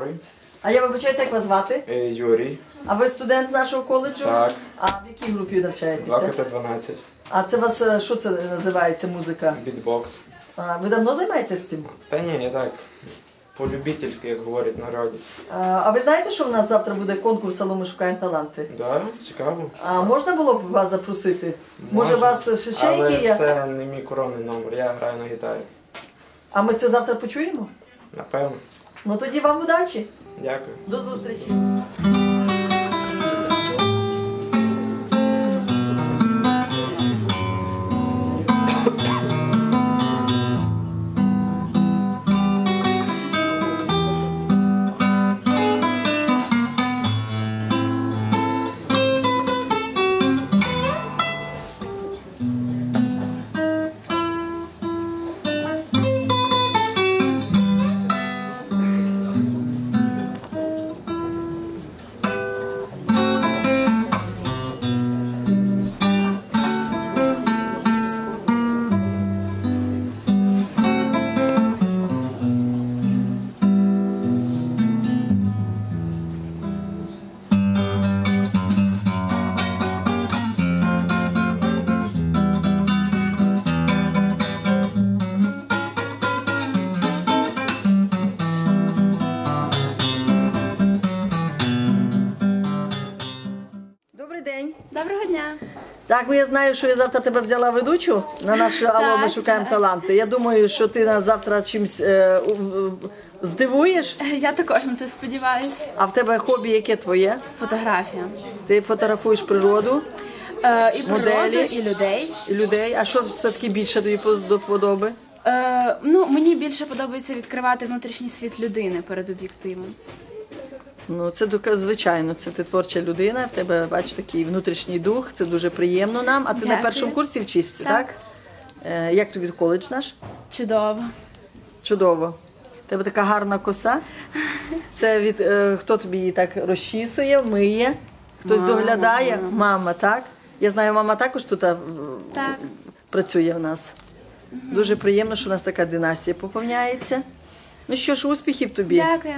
Добрий. А я вибачаюся, як вас звати? Юрій. А ви студент нашого коледжу? Так. А в якій групі навчаєтеся? 2КТ-12. А це у вас, що це називається, музика? Бітбокс. А, ви давно займаєтесь цим? Та ні, я так, по-любительськи, як говорять в народі. А ви знаєте, що в нас завтра буде конкурс «Алло, ми шукаємо таланти»? Да, цікаво. А можна було б вас запросити? Може, вас ще які є? Але це не мій коронний номер, я граю на гітарі. А ми це завтра почуємо? Напевно. Ну тоді вам удачі. Дякую. До зустрічі. Доброго дня. Так, я знаю, що я завтра тебе взяла ведучу на наше «Алло, ми шукаємо таланти». Я думаю, що ти нас завтра чимось здивуєш. Я також на це сподіваюся. А в тебе хобі яке твоє? Фотографія. Ти фотографуєш природу, І природу, і людей. і людей. А що все-таки більше тобі до вподоби? Мені більше подобається відкривати внутрішній світ людини перед об'єктивом. Ну, це звичайно, це ти творча людина, в тебе, бач, такий внутрішній дух, це дуже приємно нам. А ти на першому курсі вчишся, так? Як тобі коледж наш? Чудово. Чудово. У тебе така гарна коса. Це від хто тобі її так розчісує, миє, хтось доглядає? Мама, так? Я знаю, мама також тут працює в нас. Дуже приємно, що у нас така династія поповняється. Ну що ж, успіхів тобі. Дякую.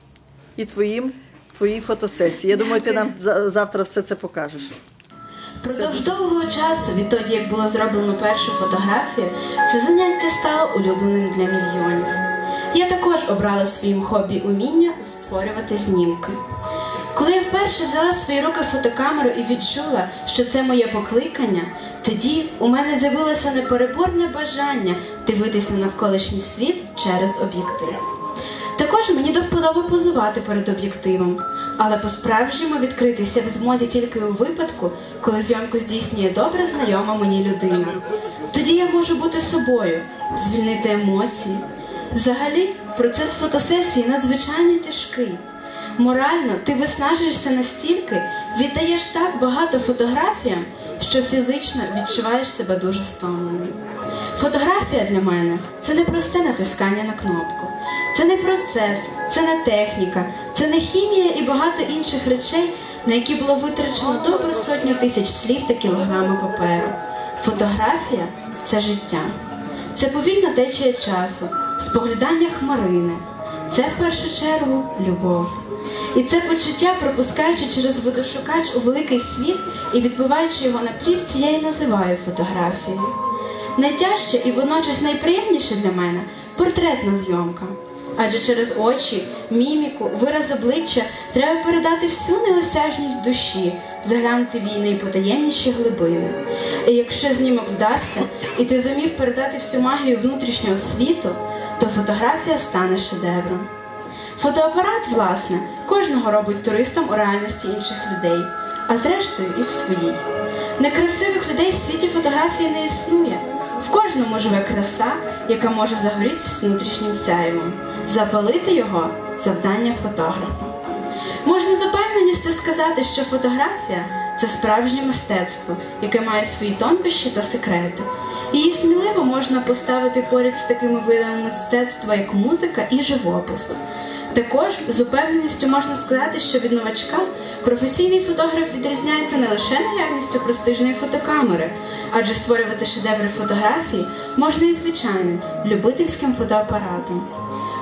І твоїй фотосесії. Я думаю, ти нам завтра все це покажеш. Впродовж довгого часу, відтоді, як було зроблено першу фотографію, це заняття стало улюбленим для мільйонів. Я також обрала своїм хобі уміння створювати знімки. Коли я вперше взяла в свої руки фотокамеру і відчула, що це моє покликання, тоді у мене з'явилося непереборне бажання дивитись на навколишній світ через об'єктив. Також мені до вподоби позувати перед об'єктивом, але по-справжньому відкритися в змозі тільки у випадку, коли зйомку здійснює добре знайома мені людина. Тоді я можу бути собою, звільнити емоції. Взагалі, процес фотосесії надзвичайно тяжкий. Морально ти виснажуєшся настільки, віддаєш так багато фотографіям, що фізично відчуваєш себе дуже стомленим. Фотографія для мене – це не просте натискання на кнопку. Це не процес, це не техніка, це не хімія і багато інших речей, на які було витрачено добру 100 000 слів та кілограми паперу. Фотографія – це життя. Це повільна течія часу, споглядання хмарини. Це, в першу чергу, любов. І це почуття, пропускаючи через водошукач у великий світ і відбиваючи його на плівці, я і називаю фотографією. Найтяжче і водночас найприємніше для мене – портретна зйомка. Адже через очі, міміку, вираз обличчя треба передати всю неосяжність душі, заглянути в її найпотаємніші глибини. І якщо знімок вдався, і ти зумів передати всю магію внутрішнього світу, то фотографія стане шедевром. Фотоапарат, власне, кожного робить туристом у реальності інших людей, а зрештою і в своїй. Некрасивих людей в світі фотографії не існує. В кожному живе краса, яка може загорітися внутрішнім сяйвом. Запалити його – завдання фотографа. Можна з упевненістю сказати, що фотографія – це справжнє мистецтво, яке має свої тонкощі та секрети. Її сміливо можна поставити поряд з такими видами мистецтва, як музика і живопис. Також з упевненістю можна сказати, що від новачка професійний фотограф відрізняється не лише наявністю престижної фотокамери, адже створювати шедеври фотографії можна і звичайним, любительським фотоапаратом.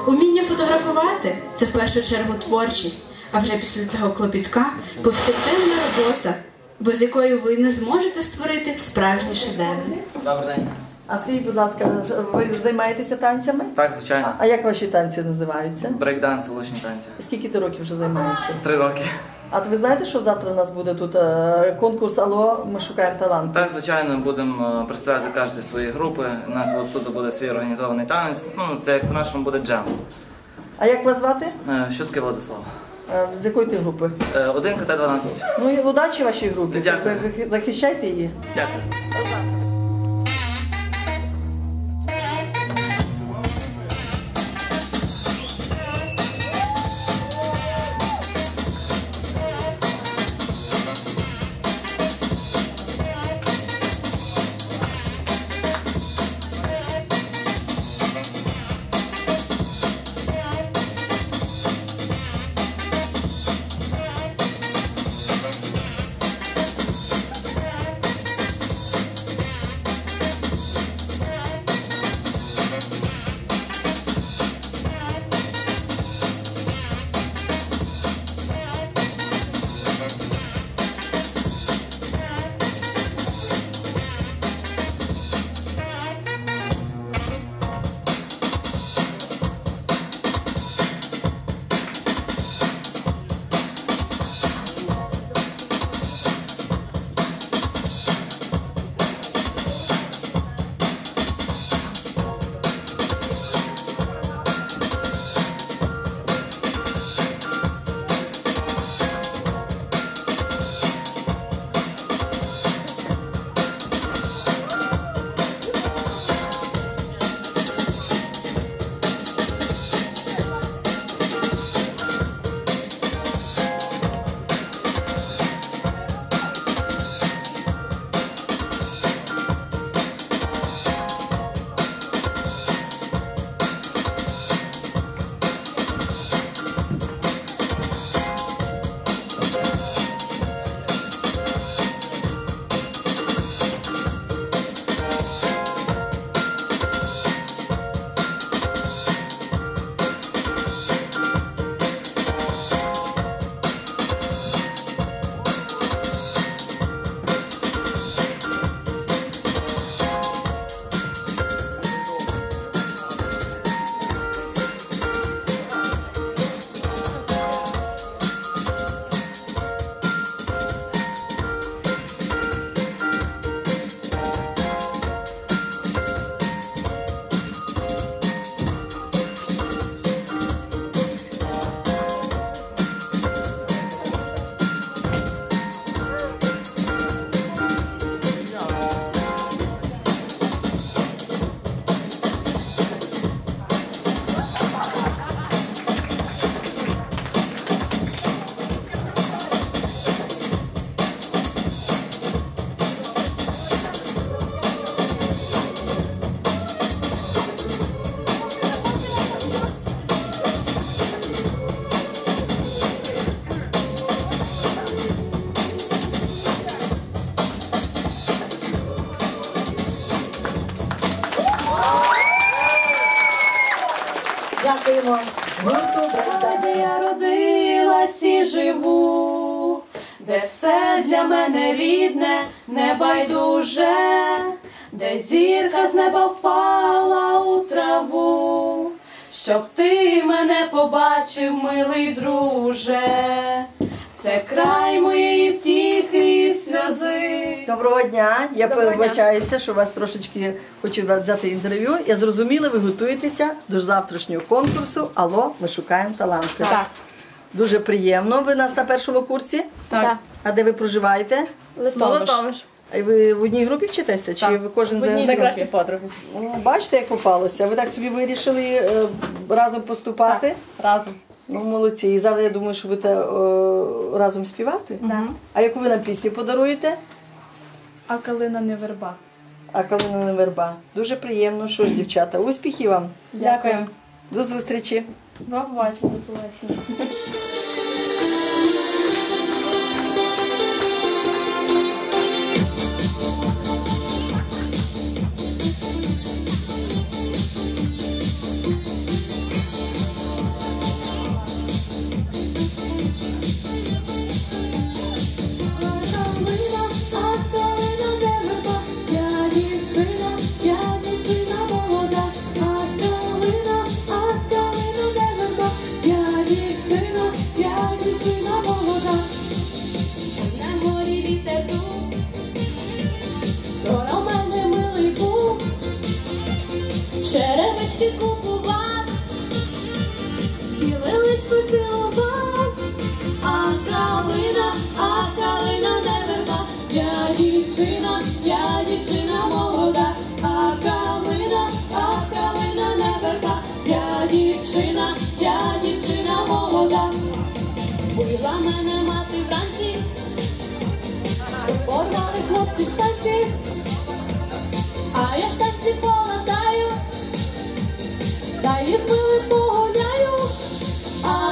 Уміння фотографувати – це в першу чергу творчість, а вже після цього клопітка – повсякденна робота, без якої ви не зможете створити справжні шедеври. Добрий день. А скажіть, будь ласка, ви займаєтеся танцями? Так, звичайно. А як ваші танці називаються? Брейкданс, вуличні танці. Скільки ти років вже займаєшся? 3 роки. А ви знаєте, що завтра у нас буде тут конкурс «Алло, ми шукаємо талант»? Так, звичайно, будемо представляти кожні свої групи. У нас тут буде свій організований танець. Ну, це як по-нашому буде джем. А як вас звати? Щуцький Владислав. З якої ти групи? 1 КТ-12. Ну і удачі вашій групі. Дякую. Захищайте її. Дякую. Дякуємо. Де я родилась і живу, де все для мене рідне, небайдуже, де зірка з неба впала у траву, щоб ти мене побачив, милий друже, це край моєї втіхи і сльози. Доброго дня. Я Доброго дня. перебачаюся, що вас трошечки хочу взяти інтерв'ю. Я зрозуміла, ви готуєтеся до завтрашнього конкурсу «Алло, ми шукаємо таланти». Так. Дуже приємно. Ви у нас на першому курсі? Так. А де ви проживаєте? Литовиш. А ви в одній групі вчитеся? Чи ви кожен за Найкращі подруги. Ну, бачите, як попалося? Ви так собі вирішили разом поступати? Разом. Ну, молодці. І завтра я думаю, що будете разом співати? Да. А яку ви нам пісню подаруєте? А калина не верба. А калина не верба. Дуже приємно. Що ж, дівчата, успіхів вам. Дякую. До зустрічі. До побачення. До побачення. мене мати вранці, порвали хлопці штанці, а я штанці полатаю, та їх мили погуляю. А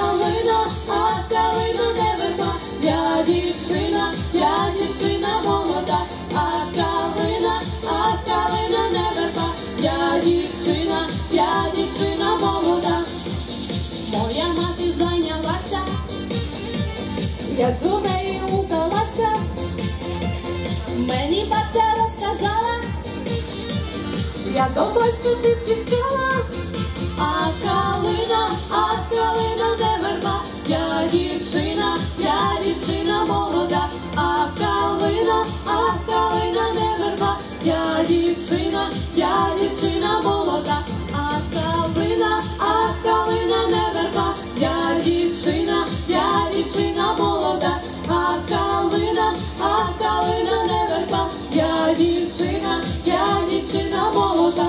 калина не верба, я дівчина молода. А калина не верба, я дівчина молода. Моя мати зайнялася, я ж у неї удалася. Мені бабця розказала, я до батька ти втікала. А калина не верба, я дівчина молода. А калина не верба, я дівчина молода. А калина не верба, я дівчина молода. А калина не верба, я дівчина молода.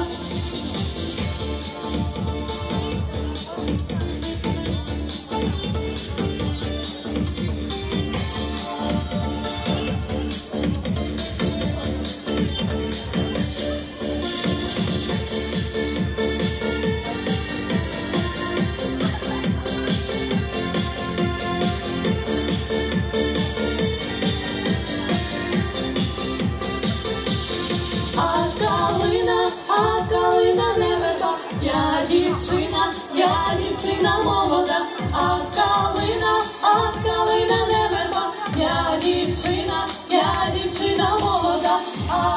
А калина не верба, я дівчина молода. А калина не верба, я дівчина молода. А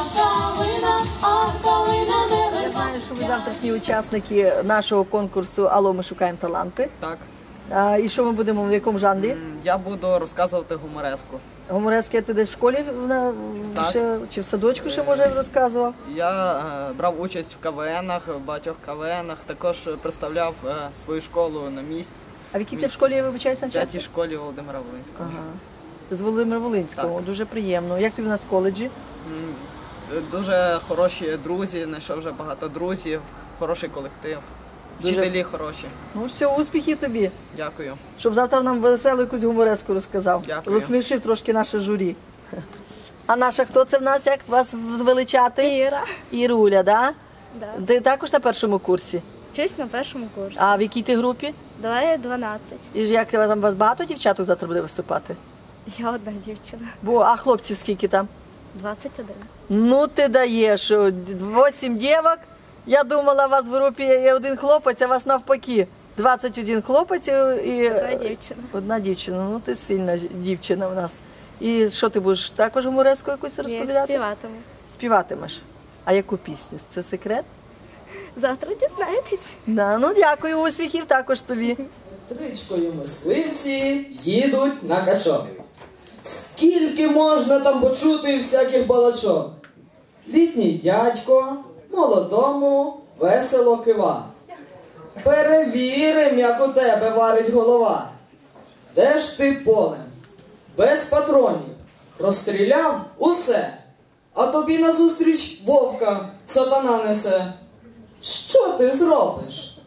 калина не верба. Знаю, що ви завтрашні учасники нашого конкурсу «Алло, ми шукаємо таланти». Так. І що ми будемо, в якому жанрі? Я буду розказувати гумореску. Гуморески ти десь в школі Так. чи в садочку ще, може, розказував? Я брав участь в КВНах, в багатьох КВНах, також представляв свою школу на місці. А в якій ти в школі, вибачаюсь, В навчався? 5-й школі Володимира Волинського. Ага. З Володимира Волинського, дуже приємно. Як тобі в нас в коледжі? Дуже хороші друзі, знайшов вже багато друзів, хороший колектив, вчителі хороші. Ну все, успіхів тобі. Дякую. Щоб завтра нам веселу якусь гумореску розказав. Дякую. Розсмішив трошки наше журі. А наша хто це в нас, як вас звеличати? Іра. Іруля, да? Да. Ти також на першому курсі? Вчусь на першому курсі. А в якій ти групі? Давай 12. І ж як там вас багато дівчаток завтра буде виступати? Я одна дівчина. А хлопців скільки там? 21. Ну ти даєш, 8 дівок. Я думала, у вас в групі є один хлопець, а вас навпаки. 21 хлопець і Одна дівчина. Одна дівчина. Ну ти сильна дівчина в нас. І що ти будеш також гумореску якусь розповідати? Я співатиму. Співатимеш. А яку пісню? Це секрет? Завтра дізнаєтесь. Да, ну дякую, успіхів також тобі. Тричкою мисливці їдуть на качок. Скільки можна там почути всяких балачок? Літній дядько молодому весело кива. Перевірим, як у тебе варить голова. Де ж ти полем? Без патронів. Розстріляв усе. А тобі назустріч вовка сатана несе. Що ти зробиш?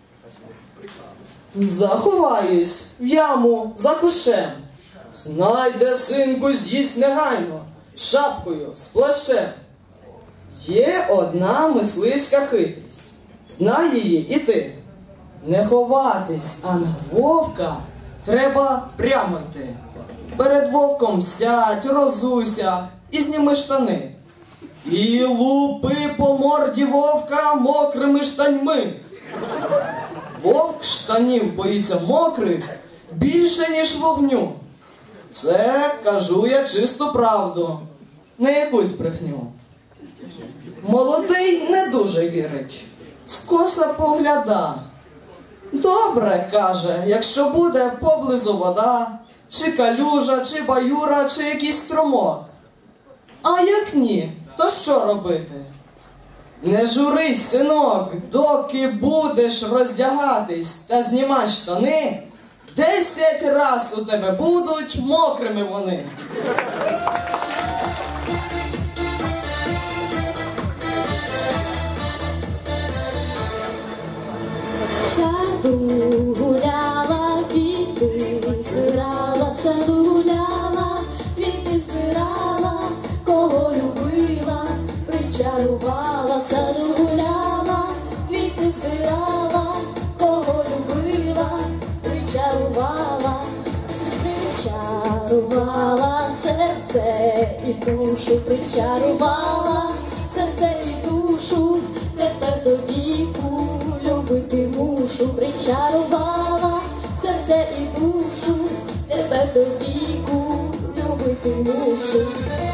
Заховаюсь в яму за кущем. Знайде синку з'їсть негайно, шапкою, з плащем. Є одна мисливська хитрість. Знай її і ти. Не ховатись, а на вовка треба прямо йти. Перед вовком сядь, розуйся і зніми штани. І лупи по морді вовка мокрими штаньми. Вовк штанів боїться мокрих більше, ніж вогню. Це кажу я чисту правду, не якусь брехню. Молодий не дуже вірить, скоса погляда. Добре, каже, якщо буде поблизу вода, чи калюжа, чи баюра, чи якийсь струмок. А як ні, то що робити? Не журись, синок, доки будеш роздягатись та знімати штани, 10 раз у тебе будуть мокрими вони. В саду гуляла, квіти збирала. причарувала, серце і душу причарувала, серце і душу, тепер до віку любити мушу. Причарувала, серце і душу, тепер до віку любити мушу.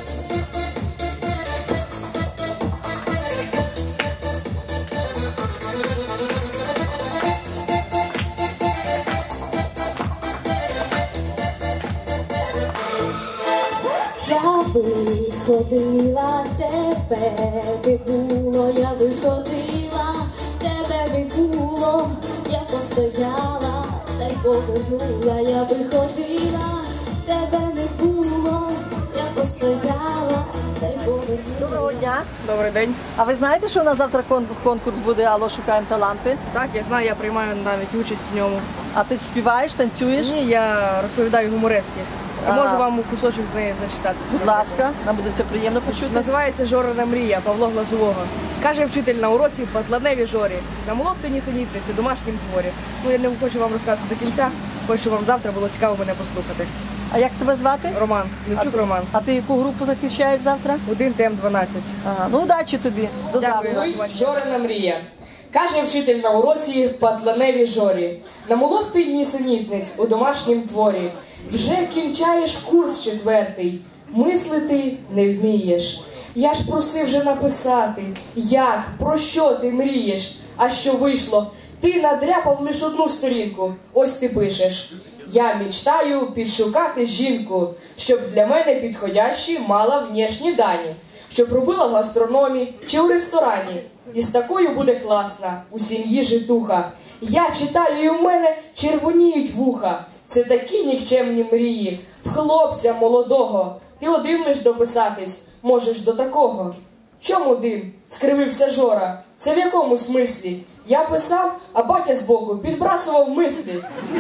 Я виходила, тебе не було, я виходила, тебе не було, я постояла, та й повернула, я виходила, тебе не було, я постояла, та й повернула. Доброго дня. Добрий день. А ви знаєте, що у нас завтра конкурс буде «Алло, шукаємо таланти»? Так, я знаю, я приймаю навіть участь в ньому. А ти співаєш, танцюєш? Ні, я розповідаю гуморески. Я А. можу вам кусочок з неї зачитати. Будь ласка, нам буде це приємно почути. Називається «Жорина мрія» Павло Глазового. Каже вчитель на уроці в патланевій жорі: намолов ти нісенітницю домашнім творі. Ну, я не хочу вам розказувати до кінця, хочу, щоб вам завтра було цікаво мене послухати. А як тебе звати? Роман, Левчук Роман. А ти яку групу захищаєш завтра? 1 ТМ-12. Ага, ну удачі тобі. До Дякую. завтра. Жорина мрія. Каже вчитель на уроці в патланевій жорі: намолов ти нісенітниць у домашнім творі. Вже кінчаєш курс 4, мислити не вмієш. Я ж просив вже написати, як, про що ти мрієш. А що вийшло? Ти надряпав лише 1 сторінку. Ось ти пишеш: я мечтаю підшукати жінку, щоб для мене підходящі мала внешні дані, щоб робила в гастрономі чи у ресторані. І з такою буде класна, у сім'ї житуха. Я читаю, і у мене червоніють вуха. Це такі нікчемні мрії в хлопця молодого. Ти один лиш дописатись можеш до такого. Чому дим? Скривився Жора. Це в якому смислі? Я писав, а батя збоку підбрасував мислі.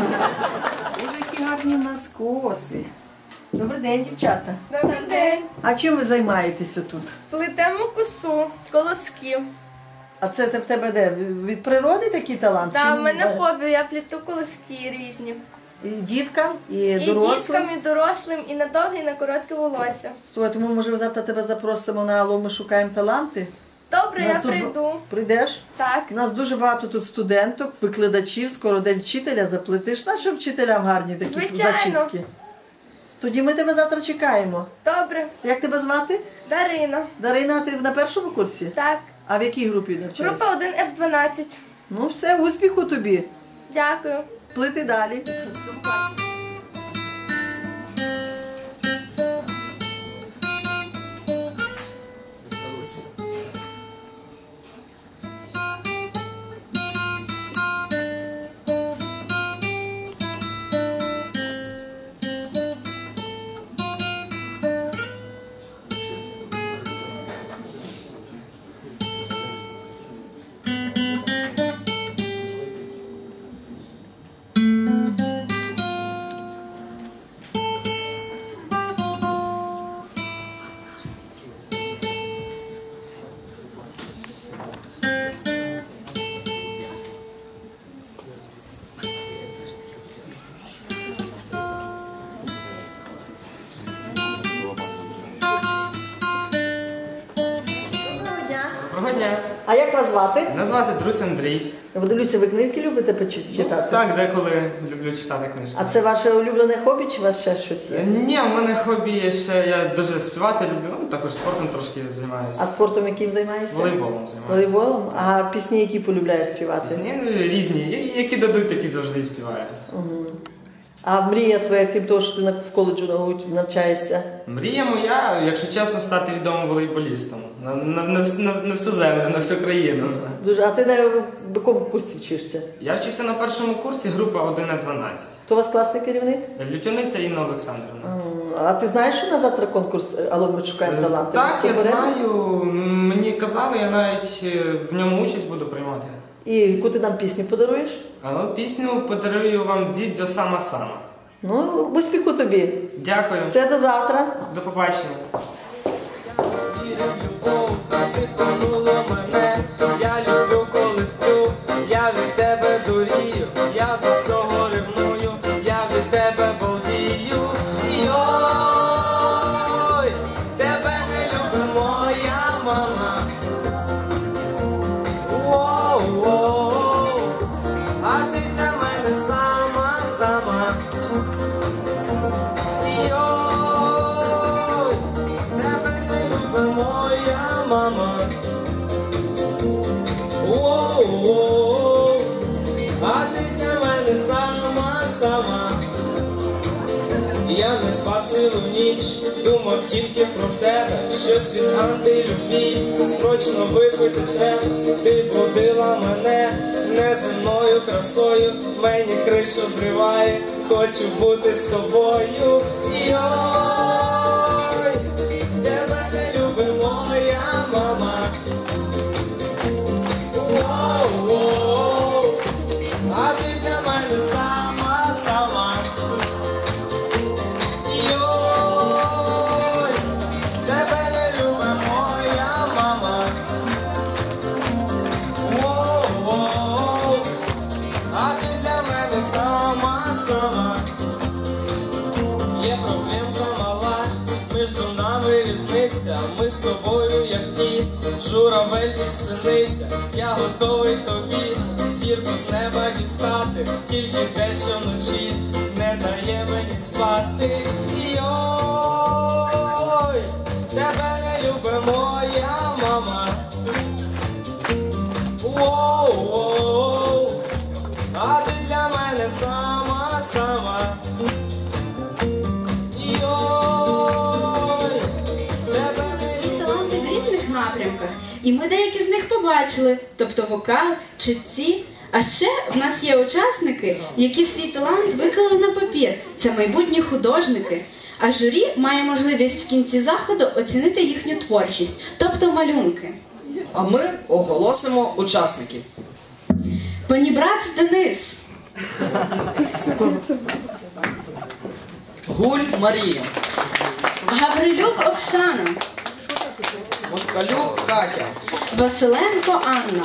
Боже, які гарні в нас коси. Добрий день, дівчата. Добрий день. А чим ви займаєтеся тут? Плетемо косу, колосків. А це в тебе де? Від природи такий талант? Та Чи в мене хобі, я плету колоски різні. І діткам, і І дорослим? діткам, і дорослим, і на довге, і на коротке волосся. Слухай, тому може завтра тебе запросимо на «Алло, ми шукаємо таланти»? Добре, Нас я тут- прийду. Прийдеш? Так. У нас дуже багато тут студенток, викладачів, скоро день вчителя, заплетиш нашим вчителям гарні такі Звичайно. зачіски. Тоді ми тебе завтра чекаємо. Добре. Як тебе звати? Дарина. Дарина, ти на першому курсі? Так. А в якій групі навчаєшся? Група 1F12. Ну все, успіху тобі. Дякую. Плити далі. Доброго дня. А як вас звати? Мене звати Друць Андрій. Я подивлюся, ви книжки любите читати? Так, деколи люблю читати книжки. А це ваше улюблене хобі чи у вас ще щось є? Ні, в мене хобі є ще, я дуже співати люблю, ну, також спортом трошки займаюся. А спортом яким займаєшся? Волейболом займаюся. Волейболом? А пісні, які полюбляєш співати? Пісні різні, які дадуть, такі завжди співаю. А мрія твоя, крім того, що ти в коледжу навчаєшся? Мрія моя, якщо чесно, стати відомим волейболістом. На всю землю, на всю країну. Дуже. А ти на якому курсі вчишся? Я вчуся на першому курсі, група 1Е12. Хто у вас класний керівник? Лютяниця Інна Олександрівна. А ти знаєш, що на завтра конкурс «Алло, ми шукаємо таланти»? Так, я Хто бере? знаю. Мені казали, я навіть в ньому участь буду приймати. І яку ти нам пісню подаруєш? Пісню подарую вам «Дідзьо сама-сама». Ну, успіху тобі. Дякую. Все, до завтра. До побачення. Я люблю, коли сплю, я від тебе дурію, я до всього ревную, я від тебе балдію. Я не спав цілу ніч, думав тільки про тебе, щось від антилюбві, срочно випити треба. Ти будила мене неземною красою, мені кришу зриває, хочу бути з тобою. Йой, тебе не любить моя мама. Воу-воу, а ти для мене сама. Йой, тебе не любить моя мама. Воу-воу, а ти для мене сама. Є проблемка мала, між нами різниця. Ми з тобою, як ті, журавель і синиця. Я готовий тобі зірку з неба дістати, тільки те, що вночі не дає мені спати. Йой, тебе не любить моя мама. Воу-воу, а ти для мене сама. Йой, тебе не Є таланти в різних напрямках, і ми деякі з них побачили, тобто вокал, читці. А ще в нас є учасники, які свій талант виклали на папір. Це майбутні художники. А журі має можливість в кінці заходу оцінити їхню творчість, тобто малюнки. А ми оголосимо учасників. Панібрац Денис, Гуль Марія, Гаврилюк Оксана, Москалюк Катя, Василенко Анна,